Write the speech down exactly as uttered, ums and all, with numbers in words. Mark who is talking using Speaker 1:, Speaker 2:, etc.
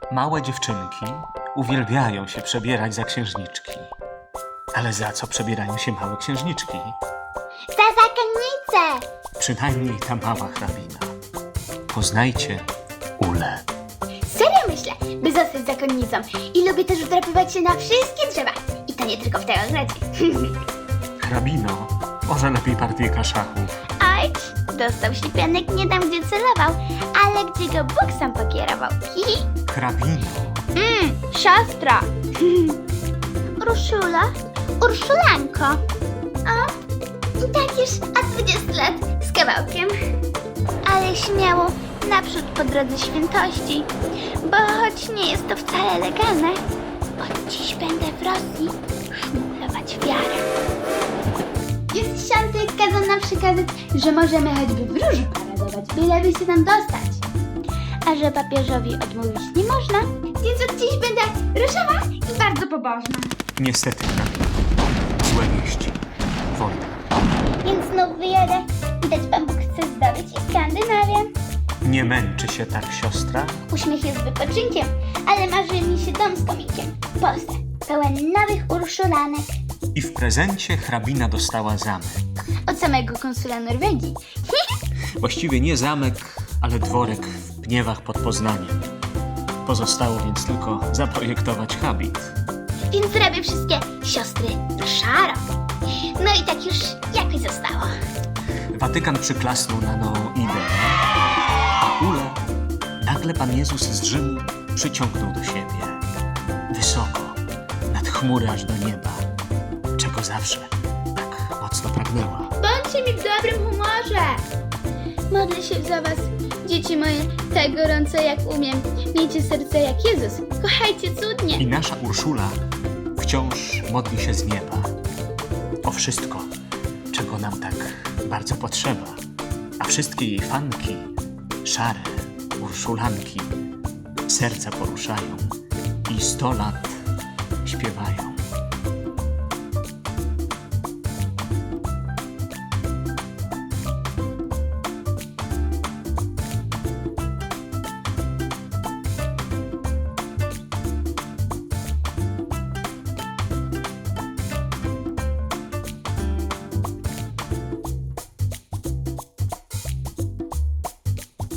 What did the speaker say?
Speaker 1: Małe dziewczynki uwielbiają się przebierać za księżniczki. Ale za co przebierają się małe księżniczki?
Speaker 2: Za zakonnicę!
Speaker 1: Przynajmniej ta mała hrabina. Poznajcie Ulę.
Speaker 2: Serio myślę, by zostać zakonnicą. I lubię też wdrapywać się na wszystkie drzewa. I to nie tylko w tej ogrodzie.
Speaker 1: Hrabino, może lepiej partyjka szachów.
Speaker 2: Oj, dostał ślipianek nie tam, gdzie celował, ale gdzie go Bóg sam pokierował. Hihi.
Speaker 1: Hrabino,
Speaker 2: Mmm, siostra. Urszula? Urszulanko. O, i tak już od dwudziestu lat z kawałkiem. Ale śmiało, naprzód po drodze świętości, bo choć nie jest to wcale legalne, od dziś będę w Rosji szmuglować wiarę. Jest książę kazał nam przekazać, że możemy choćby w róży paradować, byleby się tam dostać. A że papieżowi odmówić nie można, więc od dziś będę różowa i bardzo pobożna.
Speaker 1: niestety hrabino. Złe wieści. Wojna.
Speaker 2: Więc znów wyjadę. Widać, Pan Bóg chce zdobyć i Skandynawię.
Speaker 1: Nie męczy się tak siostra?
Speaker 2: Uśmiech jest wypoczynkiem, ale marzy mi się dom z kominkiem. Poza, pełen nowych urszulanek.
Speaker 1: I w prezencie hrabina dostała zamek.
Speaker 2: Od samego konsula Norwegii.
Speaker 1: Właściwie nie zamek, ale dworek w Pniewach pod Poznaniem. Pozostało więc tylko zaprojektować habit.
Speaker 2: Więc zrobię wszystkie siostry szaro. No i tak już jakoś zostało.
Speaker 1: Watykan przyklasnął na nową ideę, a Ulę nagle Pan Jezus z Rzymu przyciągnął do siebie. Wysoko, nad chmury aż do nieba, czego zawsze tak mocno pragnęła.
Speaker 2: Bądźcie mi w dobrym humorze. Modlę się za was, dzieci moje, tak gorąco jak umiem. Miejcie serce jak Jezus. Kochajcie cudnie.
Speaker 1: I nasza Urszula wciąż modli się z nieba o wszystko, czego nam tak bardzo potrzeba. A wszystkie jej fanki, szare Urszulanki, serca poruszają i sto lat śpiewają.